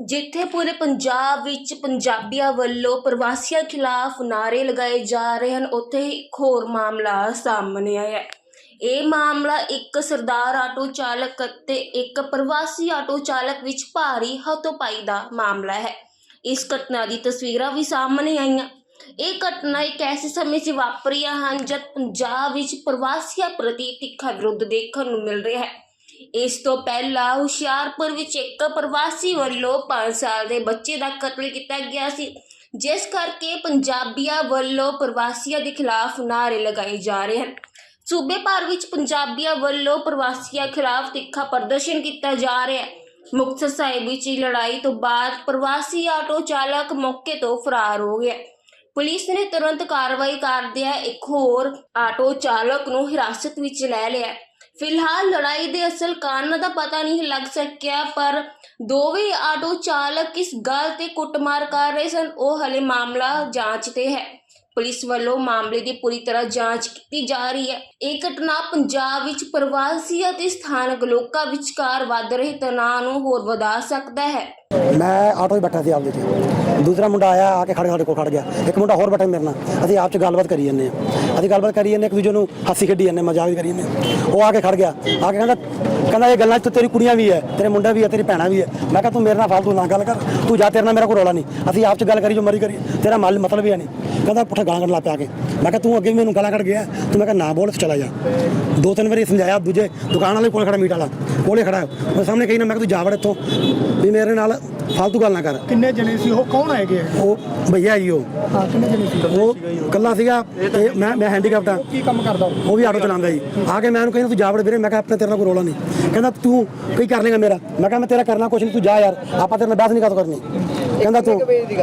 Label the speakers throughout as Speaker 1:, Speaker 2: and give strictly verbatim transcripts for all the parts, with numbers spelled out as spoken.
Speaker 1: ਜਿੱਥੇ ਪੂਰੇ ਪੰਜਾਬ ਵਿੱਚ ਪੰਜਾਬੀਆਂ ਵੱਲੋਂ ਪ੍ਰਵਾਸੀਆਂ ਖਿਲਾਫ ਨਾਅਰੇ ਲਗਾਏ ਜਾ ਰਹੇ ਹਨ, ਉੱਥੇ ਹੀ ਇੱਕ ਹੋਰ ਮਾਮਲਾ ਸਾਹਮਣੇ ਆਇਆ ਹੈ। ਇਹ ਮਾਮਲਾ ਇੱਕ ਸਰਦਾਰ ਆਟੋ ਚਾਲਕ ਅਤੇ ਇੱਕ ਪ੍ਰਵਾਸੀ ਆਟੋ ਚਾਲਕ ਵਿੱਚ ਭਾਰੀ ਹੱਥੋਂ-ਪਾਈ ਦਾ ਮਾਮਲਾ ਹੈ। ਇਸ ਘਟਨਾ ਦੀ ਤਸਵੀਰਾਂ ਵੀ ਸਾਹਮਣੇ ਆਈਆਂ। ਇਹ ਘਟਨਾ ਇੱਕ ਐਸੇ ਸਮੇਂ 'ਚ ਵਾਪਰੀਆਂ ਹਨ ਜਦ ਪੰਜਾਬ ਵਿੱਚ ਪ੍ਰਵਾਸੀਆਂ ਪ੍ਰਤੀ ਤਿੱਖਾ ਵਿਰੋਧ ਦੇਖਣ ਨੂੰ ਮਿਲ ਰਿਹਾ ਹੈ। ਇਸ ਤੋਂ ਪਹਿਲਾਂ ਹੁਸ਼ਿਆਰਪੁਰ ਵਿੱਚ ਇੱਕ ਪ੍ਰਵਾਸੀ ਵੱਲੋਂ ਪੰਜ ਸਾਲ ਦੇ ਬੱਚੇ ਦਾ ਕਤਲ ਕੀਤਾ ਗਿਆ ਸੀ, ਜਿਸ ਕਰਕੇ ਪੰਜਾਬੀਆਂ ਵੱਲੋਂ ਪ੍ਰਵਾਸੀਆਂ ਦੇ ਖਿਲਾਫ ਨਾਅਰੇ ਲਗਾਏ ਜਾ ਰਹੇ ਹਨ। ਸੂਬੇ ਭਰ ਵਿੱਚ ਪੰਜਾਬੀਆਂ ਵੱਲੋਂ ਪ੍ਰਵਾਸੀਆਂ ਖਿਲਾਫ ਤਿੱਖਾ ਪ੍ਰਦਰਸ਼ਨ ਕੀਤਾ ਜਾ ਰਿਹਾ ਹੈ। ਮੁਕਤਸਰ ਸਾਹਿਬ ਵਿੱਚ ਲੜਾਈ ਤੋਂ ਬਾਅਦ ਪ੍ਰਵਾਸੀ ਆਟੋ ਚਾਲਕ ਮੌਕੇ ਤੋਂ ਫਰਾਰ ਹੋ ਗਿਆ। ਪੁਲਿਸ ਨੇ ਤੁਰੰਤ ਕਾਰਵਾਈ ਕਰਦਿਆਂ ਇੱਕ ਹੋਰ ਆਟੋ ਚਾਲਕ ਨੂੰ ਹਿਰਾਸਤ ਵਿੱਚ ਲੈ ਲਿਆ। ਫਿਲਹਾਲ ਲੜਾਈ ਦੇ ਅਸਲ ਕਾਰਨ ਦਾ ਪਤਾ ਨਹੀਂ ਲੱਗ ਸਕਿਆ, ਪਰ ਦੋਵੇਂ ਆਟੋ ਚਾਲਕ ਕਿਸ ਗੱਲ ਤੇ ਕੁੱਟਮਾਰ ਕਰ ਰਹੇ ਸਨ, ਉਹ ਹਲੇ ਮਾਮਲਾ ਜਾਂਚ ਤੇ ਹੈ। ਪੁਲਿਸ ਵੱਲੋਂ ਮਾਮਲੇ ਦੀ ਪੂਰੀ ਤਰ੍ਹਾਂ ਜਾਂਚ ਕੀਤੀ ਜਾ ਰਹੀ ਹੈ। ਇਹ ਘਟਨਾ ਪੰਜਾਬ ਵਿੱਚ ਪ੍ਰਵਾਸੀ ਅਤੇ ਸਥਾਨਕ ਲੋਕਾਂ ਵਿਚਕਾਰ ਵੱਧ ਰਹੇ ਤਣਾਅ ਨੂੰ ਹੋਰ ਵਧਾ ਸਕਦਾ ਹੈ।
Speaker 2: ਮੈਂ ਆਟੋ 'ਚ ਬੈਠਾ ਸੀ ਆਪਦੇ 'ਚ, ਦੂਸਰਾ ਮੁੰਡਾ ਆਇਆ ਆ ਕੇ ਖੜ੍ਹ ਸਾਡੇ ਕੋਲ ਖੜ ਗਿਆ। ਇੱਕ ਮੁੰਡਾ ਹੋਰ ਬੈਠਾ ਮੇਰੇ ਨਾਲ, ਅਸੀਂ ਆਪ 'ਚ ਗੱਲਬਾਤ ਕਰੀ ਜਾਂਦੇ ਹਾਂ ਅਸੀਂ ਗੱਲਬਾਤ ਕਰੀ ਜਾਂਦੇ ਇੱਕ ਦੂਜੇ ਨੂੰ ਹਾਸੀ ਖੇਡੀ ਜਾਂਦੇ, ਮਜ਼ਾਕ ਵੀ ਕਰੀ ਜਾਂਦੇ। ਉਹ ਆ ਕੇ ਖੜ ਗਿਆ, ਆ ਕੇ ਕਹਿੰਦਾ ਕਹਿੰਦਾ ਇਹ ਗੱਲਾਂ 'ਚ ਤੇਰੀ ਕੁੜੀਆਂ ਵੀ ਹੈ, ਤੇਰੇ ਮੁੰਡਾ ਵੀ ਹੈ, ਤੇਰੀ ਭੈਣਾਂ ਵੀ ਹੈ। ਮੈਂ ਕਿਹਾ ਤੂੰ ਮੇਰੇ ਨਾਲ ਫਾਲਤੂ ਨਾ ਗੱਲ ਕਰ, ਤੂੰ ਜਾ, ਤੇਰੇ ਨਾਲ ਮੇਰਾ ਕੋਈ ਰੌਲਾ ਨਹੀਂ, ਅਸੀਂ ਆਪ 'ਚ ਗੱਲ ਕਰੀ ਜੋ ਮਰੀ ਕਰੀ, ਤੇਰਾ ਮੱਲ ਮਤਲਬ ਵੀ ਹੈ ਨਹੀਂ। ਕਹਿੰਦਾ ਪੁੱਠਾ ਗਾਲਾਂ ਕੱਢ ਲਾ ਪਿਆ ਕੇ। ਮੈਂ ਕਿਹਾ ਤੂੰ ਅੱਗੇ ਵੀ ਮੈਨੂੰ ਗਾਲਾਂ ਕੱਢ ਗਿਆ, ਤੂੰ ਮੈਂ ਕਿਹਾ ਨਾ ਬੋਲ, ਚਲਾ ਜਾ। ਦੋ ਤਿੰਨ ਵਾਰੀ ਸਮਝਾਇਆ, ਦੂਜੇ ਦੁਕਾਨ ਵਾਲੇ ਕੋਲ ਖੜਾ, ਮੀਟ ਵਾਲਾ ਕੋਲੇ ਖੜਾ, ਉਹ ਸਾਹਮਣੇ ਕਹੀ ਨਾ, ਮੈਂ ਕਿਹਾ ਤੂੰ ਜਾ ਵੜ ਇੱਥੋਂ, ਵੀ ਮੇਰੇ ਨਾਲ ਫਾਲਤੂ ਗੱਲ ਨਾ ਕਰ।
Speaker 3: ਕਿੰਨੇ ਜਣੇ ਸੀ ਉਹ, ਕੌਣ ਹੈਗੇ?
Speaker 2: ਉਹ ਭਈਆ ਜੀ, ਉਹ
Speaker 3: ਹਾਂ ਕਿੰਨੇ ਜਣੇ ਸੀ?
Speaker 2: ਉਹ ਇਕੱਲਾ ਸੀਗਾ ਤੇ ਮੈਂ ਮੈਂ ਹੈਂਡੀਕੈਪਟ ਆ।
Speaker 3: ਕੀ ਕੰਮ ਕਰਦਾ
Speaker 2: ਉਹ ਵੀ ਆਟੋ ਚਲਾਉਂਦਾ ਜੀ। ਆ ਕੇ ਮੈਂ ਉਹਨੂੰ ਕਹਿੰਦਾ ਤੂੰ ਜਾ ਵੜ ਵੀਰੇ, ਮੈਂ ਕਿਹਾ ਆਪਣੇ ਤੇਰੇ ਨਾਲ ਕੋਈ ਰੌਲਾ ਨਹੀਂ। ਕਹਿੰਦਾ ਤੂੰ ਕੀ ਕਰ ਲੇਗਾ ਮੇਰਾ? ਮੈਂ ਕਿਹਾ ਮੈਂ ਤੇਰਾ ਕਰਨਾ ਕੁਛ ਨਹੀਂ, ਤੂੰ ਜਾ ਯਾਰ, ਆਪਾਂ ਤੇਰੇ ਨਾਲ ਬਹਿਸ ਨਹੀਂ ਕਰ ਕਰਨੀ। ਕਹਿੰਦਾ ਤੂੰ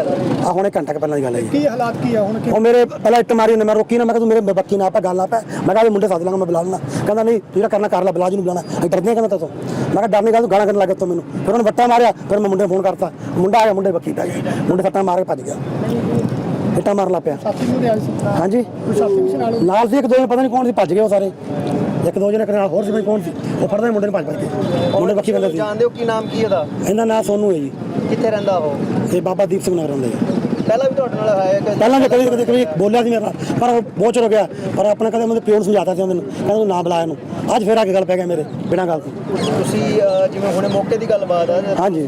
Speaker 2: ਆ ਹੁਣੇ ਘੰਟਾ ਕੁ ਪਹਿਲਾਂ ਦੀ ਗੱਲ ਹੈ ਜੀ।
Speaker 3: ਕੀ ਹਾਲਾਤ ਕੀ ਆ ਹੁਣ?
Speaker 2: ਉਹ ਮੇਰੇ ਪਹਿਲਾਂ ਇੱਟ ਮਾਰੀ ਉਹਨੇ, ਮੈਂ ਰੋਕੀ ਨਾ, ਮੈਂ ਕਿਹਾ ਤੂੰ ਮੇਰੇ ਬੱਕੀ ਨਾ ਪਾ ਗੱਲ ਨਾ ਪੈ। ਮੈਂ ਕਿਹਾ ਮੁੰਡੇ ਸੱਦ ਲਾਂਗਾ, ਮੈਂ ਬੁਲਾ ਲੈਣਾ। ਕਹਿੰਦਾ ਨਹੀਂ ਤੂੰ ਜਿਹੜਾ ਕਰਨਾ ਕਰ ਲੈ, ਬੁਲਾ ਜੀ ਨੂੰ ਬੁਲਾਣਾ, ਅਸੀਂ ਡਰਦੇ ਕਹਿੰਦਾ ਤੂੰ। ਮੈਂ ਕਿਹਾ ਡਰ ਨਹੀਂ ਗਾ, ਤੂੰ ਗਾਲਾਂ ਕਰਨ ਲੱਗ ਗਿਆ ਮੈਨੂੰ। ਫਿਰ ਉਹਨੇ ਵੱਟਾ ਮਾਰਿਆ, ਫਿਰ ਮੈਂ ਮੁੰਡੇ ਨੂੰ ਫੋਨ ਕਰਤਾ, ਮੁੰਡਾ ਆ ਗਿਆ, ਮੁੰਡੇ ਬੱਕੀ ਪੈ ਗਏ, ਮੁੰਡੇ ਸੱਟਾਂ ਮਾਰ ਕੇ ਭੱਜ ਗਿਆ, ਇੱਟਾਂ ਮਾਰਨ ਲੱਗ ਪਿਆ।
Speaker 3: ਸਾਥੀ ਨੂੰ ਰਿਆਲ ਸੀ?
Speaker 2: ਹਾਂਜੀ ਨਾਲ ਸੀ ਇੱਕ ਦੋ ਜਣੇ, ਪਤਾ ਨਹੀਂ ਕੌਣ ਸੀ, ਭੱਜ ਗਏ ਉਹ ਸਾਰੇ। ਇੱਕ ਦੋ ਜਣੇ ਨਾਲ ਹੋਰ ਸੀ, ਕੌਣ ਸੀ, ਉਹ ਫੜਦੇ ਮੁੰਡੇ ਨੂੰ ਭੱਜ ਭੱਜ ਕੇ। ਮੁੰਡੇ ਬੱਕੀ ਬੰਦੇ ਸੀ।
Speaker 4: ਜਾਣਦੇ ਹੋ ਕੀ ਨਾਮ ਕੀ ਇਹਦਾ?
Speaker 2: ਇਹਦਾ ਨਾਂ ਸੋਨੂ ਹੈ ਜੀ।
Speaker 4: ਕਿੱਥੇ ਰਹਿੰਦਾ ਉਹ?
Speaker 2: ਇਹ ਬਾਬਾ ਦੀਪ ਸਿੰਘ ਨਗਰ ਰਹਿੰਦੇ ਜੀ।
Speaker 4: ਪਹਿਲਾਂ ਵੀ ਤੁਹਾਡੇ ਨਾਲ ਆਇਆ?
Speaker 2: ਪਹਿਲਾਂ ਵੀ ਕਦੇ ਕਦੇ ਕਦੇ ਬੋਲਿਆ ਸੀ ਮੇਰੇ ਨਾਲ, ਪਰ ਉਹ ਬਹੁਤ ਚਿਰ ਹੋ ਗਿਆ। ਪਰ ਆਪਣਾ ਕਦੇ ਮੇਰੇ ਪਿਓ ਨੂੰ ਸਮਝਾਤਾ ਸੀ ਉਹਨੂੰ, ਕਹਿੰਦਾ ਤੂੰ ਨਾ ਬੁਲਾ ਇਹਨੂੰ। ਅੱਜ ਫਿਰ ਆ ਕੇ ਗੱਲ ਪੈ ਗਿਆ ਮੇਰੇ ਬਿਨਾਂ ਗੱਲ ਤੋਂ।
Speaker 4: ਤੁਸੀਂ ਜਿਵੇਂ ਹੁਣੇ ਮੌਕੇ ਦੀ ਗੱਲਬਾਤ ਆ?
Speaker 2: ਹਾਂਜੀ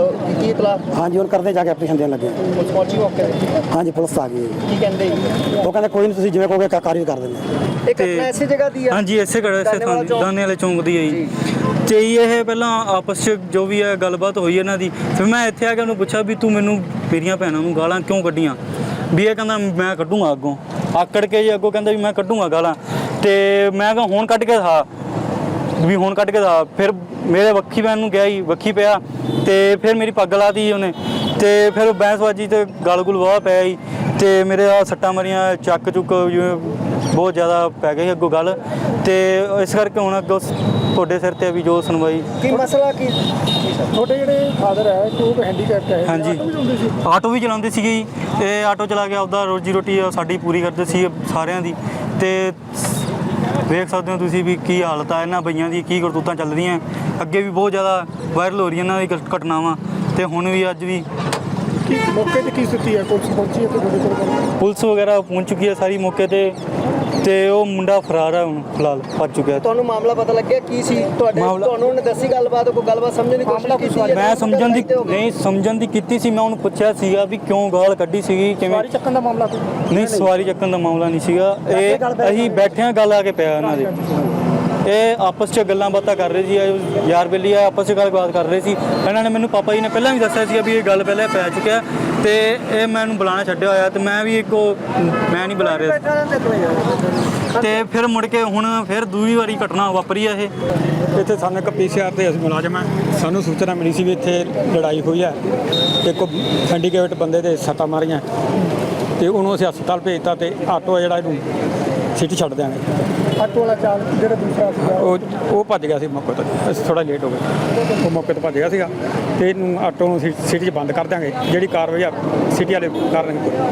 Speaker 4: ਕੀ ਇਤਲਾਹ?
Speaker 2: ਹਾਂਜੀ ਹੁਣ ਕਰਦੇ ਜਾ ਕੇ ਐਪਲੀਕੇਸ਼ਨ ਦੇਣ ਲੱਗੇ।
Speaker 4: ਪੁਲਿਸ ਪਹੁੰਚੀ ਮੌਕੇ ਤੇ?
Speaker 2: ਹਾਂਜੀ ਪੁਲਿਸ ਆ ਗਈ।
Speaker 4: ਕੀ ਕਹਿੰਦੇ?
Speaker 2: ਉਹ ਕਹਿੰਦੇ ਕੋਈ ਨਹੀਂ, ਤੁਸੀਂ ਜਿਵੇਂ ਕਹੋਗੇ ਕਾਰਵਾਈ ਕਰ ਦਿੰਦੇ।
Speaker 4: ਇਹ ਘਟਨਾ ਐਸੀ ਜਗ੍ਹਾ ਦੀ ਆ?
Speaker 5: ਹਾਂਜੀ ਇਸੇ ਘੜੇ ਇਸੇ ਥਾਂ ਦੀ, ਦਾਨੇ ਵਾਲੇ ਚੌਂਕ ਦੀ ਹੈ ਜੀ। ਤੇ ਇਹ ਪਹਿਲਾਂ ਆਪਸ 'ਚ ਜੋ ਵੀ ਹੈ ਗੱਲਬਾਤ ਹੋਈ ਇਹਨਾਂ ਦੀ। ਫਿਰ ਮੈਂ ਇੱਥੇ ਆ ਕੇ ਉਹਨੂੰ ਪੁੱਛਿਆ ਵੀ ਤੂੰ ਮੈਨੂੰ ਮੇਰੀਆਂ ਭੈਣਾਂ ਨੂੰ ਗਾਲਾਂ ਕਿਉਂ ਕੱਢੀਆਂ? ਵੀ ਇਹ ਕਹਿੰਦਾ ਮੈਂ ਕੱਢੂੰਗਾ ਅੱਗੋਂ, ਆਕੜ ਕੇ ਜੀ ਅੱਗੋਂ ਕਹਿੰਦਾ ਵੀ ਮੈਂ ਕੱਢੂੰਗਾ ਗਾਲਾਂ। ਤੇ ਮੈਂ ਕਿਹਾ ਹੁਣ ਕੱਢ ਕੇ ਦਿਖਾ, ਵੀ ਹੁਣ ਕੱਢ ਕੇ ਦਿਖਾ। ਫਿਰ ਮੇਰੇ ਵੱਖੀ ਪੈਣ ਨੂੰ ਗਿਆ ਹੀ, ਵੱਖੀ ਪਿਆ ਤੇ ਫਿਰ ਮੇਰੀ ਪੱਗ ਲਾਤੀ ਉਹਨੇ। ਤੇ ਫਿਰ ਬੈਂਸਬਾਜੀ ਤੇ ਗਲ ਗੁਲ ਵਾਹ ਪਿਆ ਜੀ। ਤੇ ਮੇਰੇ ਆ ਸੱਟਾਂ ਮਰੀਆਂ, ਚੱਕ ਚੁੱਕ ਜਿਵੇਂ ਬਹੁਤ ਜ਼ਿਆਦਾ ਪੈ ਗਈ ਅੱਗੋਂ ਗੱਲ। ਤੇ ਇਸ ਕਰਕੇ ਹੁਣ ਅੱਗੋਂ ਤੁਹਾਡੇ ਸਿਰ ਤੇ ਵੀ ਜੋ ਸੁਣਵਾਈ।
Speaker 4: ਕੀ ਮਸਲਾ ਕੀ?
Speaker 3: ਤੁਹਾਡੇ ਜਿਹੜੇ ਫਾਦਰ ਹੈ ਉਹ ਹੈਂਡੀਕੈਪਟ ਹੈ?
Speaker 5: ਹਾਂਜੀ ਆਟੋ ਵੀ ਚਲਾਉਂਦੇ ਸੀਗੇ ਜੀ। ਤੇ ਆਟੋ ਚਲਾ ਕੇ ਆਪਦਾ ਰੋਜੀ ਰੋਟੀ ਸਾਡੀ ਪੂਰੀ ਕਰਦੇ ਸੀ ਸਾਰਿਆਂ ਦੀ। ਤੇ ਵੇਖ ਸਕਦੇ ਹੋ ਤੁਸੀਂ ਵੀ ਕੀ ਹਾਲਤ ਆ ਇਹਨਾਂ ਬਈਆਂ ਦੀ, ਕੀ ਕਰਤੂਤਾਂ ਚੱਲ ਰਹੀਆਂ। ਅੱਗੇ ਵੀ ਬਹੁਤ ਜ਼ਿਆਦਾ ਵਾਇਰਲ ਹੋ ਰਹੀਆਂ ਇਹਨਾਂ ਦੀ ਘਟਨਾਵਾਂ, ਤੇ ਹੁਣ ਵੀ ਅੱਜ ਵੀ।
Speaker 3: ਕੀ ਮੌਕੇ ਤੇ ਕੀ ਸਥਿਤੀ ਹੈ? ਪੁਲਿਸ ਪਹੁੰਚੀ ਹੈ? ਤੁਹਾਡੇ ਕੋਲ
Speaker 5: ਪੁਲਿਸ ਵਗੈਰਾ ਪਹੁੰਚ ਚੁੱਕੀ ਹੈ ਸਾਰੀ ਮੌਕੇ ਤੇ। ਤੇ ਉਹ ਮੁੰਡਾ ਫਰਾਰ ਹੈ ਹੁਣ ਫਿਲਹਾਲ, ਭੱਜ ਚੁੱਕਿਆ।
Speaker 4: ਤੁਹਾਨੂੰ ਮਾਮਲਾ ਪਤਾ ਲੱਗਿਆ ਕੀ ਸੀ? ਤੁਹਾਡੇ ਤੁਹਾਨੂੰ ਉਹਨੇ ਦੱਸੀ ਗੱਲਬਾਤ? ਕੋਈ ਗੱਲਬਾਤ ਸਮਝਣ ਦੀ ਕੋਸ਼ਿਸ਼ ਕੀਤੀ?
Speaker 5: ਮੈਂ ਸਮਝਣ ਦੀ ਨਹੀਂ ਸਮਝਣ ਦੀ ਕੀਤੀ ਸੀ। ਮੈਂ ਉਹਨੂੰ ਪੁੱਛਿਆ ਸੀਗਾ ਵੀ ਕਿਉਂ ਗਾਲ ਕੱਢੀ ਸੀਗੀ, ਕਿਵੇਂ?
Speaker 3: ਸਵਾਰੀ ਚੱਕਣ ਦਾ ਮਾਮਲਾ ਕੋਈ
Speaker 5: ਨਹੀਂ, ਸਵਾਰੀ ਚੱਕਣ ਦਾ ਮਾਮਲਾ ਨਹੀਂ ਸੀਗਾ। ਇਹ ਅਸੀਂ ਬੈਠਿਆਂ ਗੱਲ ਆ ਕੇ ਪਿਆ ਇਹਨਾਂ ਦੇ। ਇਹ ਆਪਸ 'ਚ ਗੱਲਾਂ ਬਾਤਾਂ ਕਰ ਰਹੇ ਸੀ, ਯਾਰ ਬੇਲੀ ਆ ਆਪਸ 'ਚ ਗੱਲਬਾਤ ਕਰ ਰਹੇ ਸੀ। ਇਹਨਾਂ ਨੇ ਮੈਨੂੰ ਪਾਪਾ ਜੀ ਨੇ ਪਹਿਲਾਂ ਵੀ ਦੱਸਿਆ ਸੀਗਾ ਵੀ ਇਹ ਗੱਲ ਪਹਿਲਾਂ ਪੈ ਚੁੱਕਿਆ, ਤੇ ਇਹ ਮੈਨੂੰ ਬੁਲਾਉਣਾ ਛੱਡਿਆ ਹੋਇਆ। ਤੇ ਮੈਂ ਵੀ ਇੱਕੋ ਮੈਂ ਨਹੀਂ ਬੁਲਾ ਰਿਹਾ। ਤੇ ਫਿਰ ਮੁੜ ਕੇ ਹੁਣ ਫਿਰ ਦੂਜੀ ਵਾਰੀ ਘਟਨਾ ਵਾਪਰੀ ਆ ਇਹ।
Speaker 6: ਇੱਥੇ ਸਾਨੂੰ ਇੱਕ ਪੀ ਸੀ ਆਰ ਦੇ ਅਸੀਂ ਮੁਲਾਜ਼ਮ ਹਾਂ, ਸਾਨੂੰ ਸੂਚਨਾ ਮਿਲੀ ਸੀ ਵੀ ਇੱਥੇ ਲੜਾਈ ਹੋਈ ਹੈ ਤੇ ਇੱਕ ਹੈਂਡੀਕੈਪਟ ਬੰਦੇ ਦੇ ਸੱਟਾਂ ਮਾਰੀਆਂ, ਤੇ ਉਹਨੂੰ ਅਸੀਂ ਹਸਪਤਾਲ ਭੇਜਤਾ। ਤੇ ਆਟੋ ਜਿਹੜਾ ਇਹਨੂੰ ਸਿਟੀ ਛੱਡ ਦਿਆਂਗੇ।
Speaker 3: ਆਟੋ ਵਾਲਾ ਚਾਲਕ ਜਿਹੜਾ ਦੂਸਰਾ ਸੀਗਾ
Speaker 6: ਉਹ ਉਹ ਭੱਜ ਗਿਆ ਸੀ ਮੌਕੇ ਤੋਂ, ਅਸੀਂ ਥੋੜ੍ਹਾ ਲੇਟ ਹੋ ਗਏ। ਉਹ ਮੌਕੇ ਤੋਂ ਭੱਜ ਗਿਆ ਸੀਗਾ, ਤੇ ਇਹਨੂੰ ਆਟੋ ਨੂੰ ਸਿਟੀ 'ਚ ਬੰਦ ਕਰ ਦਿਆਂਗੇ। ਜਿਹੜੀ ਕਾਰਵਾਈ ਆ ਸਿਟੀ ਵਾਲੇ ਕਰਨਗੇ।